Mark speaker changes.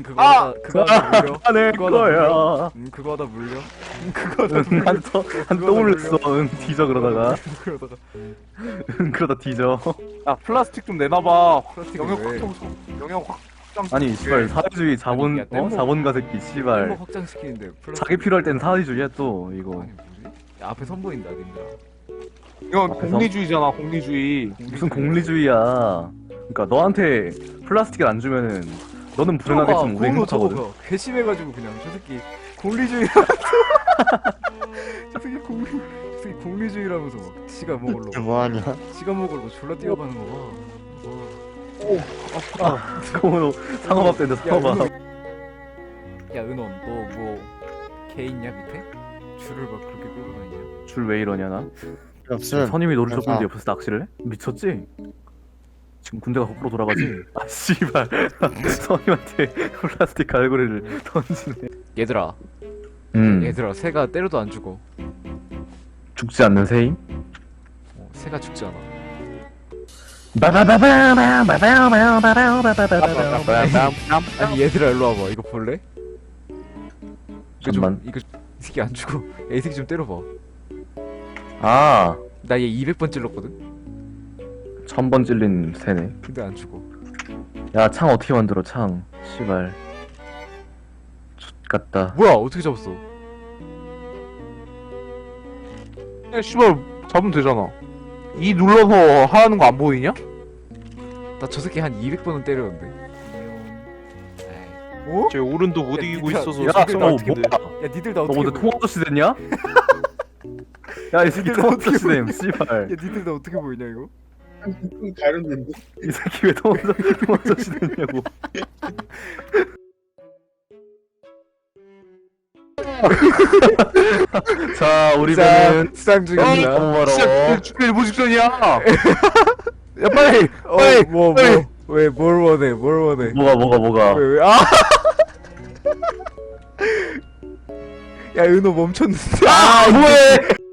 Speaker 1: 그거 하다 물려.
Speaker 2: 내
Speaker 1: 그거 하다 물려.
Speaker 2: 거야.
Speaker 1: 그거 하다 물려. 그거 하다 물려.
Speaker 2: 한 떠올렸어. 응, 뒤져 그러다가.
Speaker 1: 그러다가
Speaker 2: 그러다 뒤져.
Speaker 3: 야 플라스틱 좀 내놔봐.
Speaker 1: 플라스틱
Speaker 3: 영역
Speaker 1: 왜?
Speaker 3: 확장 영역 확장.
Speaker 2: 아니 씨발 사회주의 자본
Speaker 1: 야, 뗏목.
Speaker 2: 자본가 새끼 씨발.
Speaker 1: 뭐 확장시키는데 플라스틱.
Speaker 2: 자기 필요할 땐 사회주의야 또 이거.
Speaker 1: 아니 뭐지? 야, 앞에 선 보인다 님들아.
Speaker 3: 이건 공리주의잖아 공리주의.
Speaker 2: 무슨 공리주의야. 그러니까 너한테 플라스틱을 안 주면은 너는 불행하겠지만 우리 행복하거든.
Speaker 1: 저거 괘씸해가지고 그냥 저 새끼 공리주의. 저 새끼 공리주의라면서 막 지가 먹으려고.
Speaker 4: 뭐하냐?
Speaker 1: 지가 먹으려고 졸라 뛰어가는 거 봐.
Speaker 2: 그거로 상어밥 된다 상어밥.
Speaker 1: 야 은원 너 뭐 개 있냐 밑에? 줄을 막 그렇게 끌고 다니냐?
Speaker 2: 줄 왜 이러냐 나?
Speaker 4: 없음.
Speaker 2: 선임이 너를
Speaker 4: 그래서-
Speaker 2: 줬는데 옆에서 낚시를 해? 미쳤지? 지금 군대가 거꾸로 돌아가지? 아 씨발 선임한테 플라스틱 갈고리를 던지네.
Speaker 1: 얘들아 얘들아 새가 때려도 안 죽어.
Speaker 2: 죽지 않는 새임?
Speaker 1: 새가 죽지 않아. 아니 얘들아 일로 와봐. 이거 볼래? 이거 좀
Speaker 2: 잠만.
Speaker 1: 이거 이 새끼 안 죽어. 야, 이 새끼 좀 때려봐.
Speaker 2: 아
Speaker 1: 나 얘 200번 찔렀거든.
Speaker 2: 1000번 찔린 새네.
Speaker 1: 근데 안 죽어.
Speaker 2: 야 창 어떻게 만들어 창 씨발 X같다.
Speaker 1: 뭐야 어떻게 잡았어?
Speaker 3: 야 씨발 잡으면 되잖아. 이 눌러서 하는 거 안 보이냐?
Speaker 1: 나 저 새끼 한 200번은 때렸는데. 어?
Speaker 5: 제 오른도 못
Speaker 1: 야,
Speaker 5: 이기고
Speaker 1: 니가-
Speaker 5: 있어서
Speaker 2: 야
Speaker 5: 속도가
Speaker 2: 너
Speaker 5: 어떻게 돼?
Speaker 2: 뭐야?
Speaker 1: 야 니들 나
Speaker 2: 너
Speaker 1: 어떻게
Speaker 2: 오늘
Speaker 1: 보여?
Speaker 2: 통화도시 됐냐? 야 이 새끼
Speaker 1: 니들 나 어떻게
Speaker 2: 통화도시 됨 씨발.
Speaker 1: 야 니들 나 어떻게 보이냐 이거?
Speaker 4: 다른데.
Speaker 2: 이 새끼 왜 통화도시 됐냐고. 자 우리 배는
Speaker 1: 수상 중입니다.
Speaker 2: 너무 멀어.
Speaker 3: 진짜 죽게 일부 직전이야. 야 빨리 빨리.
Speaker 1: 뭘 원해? 뭘 원해?
Speaker 2: 뭐가
Speaker 1: 왜? 아! 야 은호 멈췄는데.
Speaker 2: 아 뭐해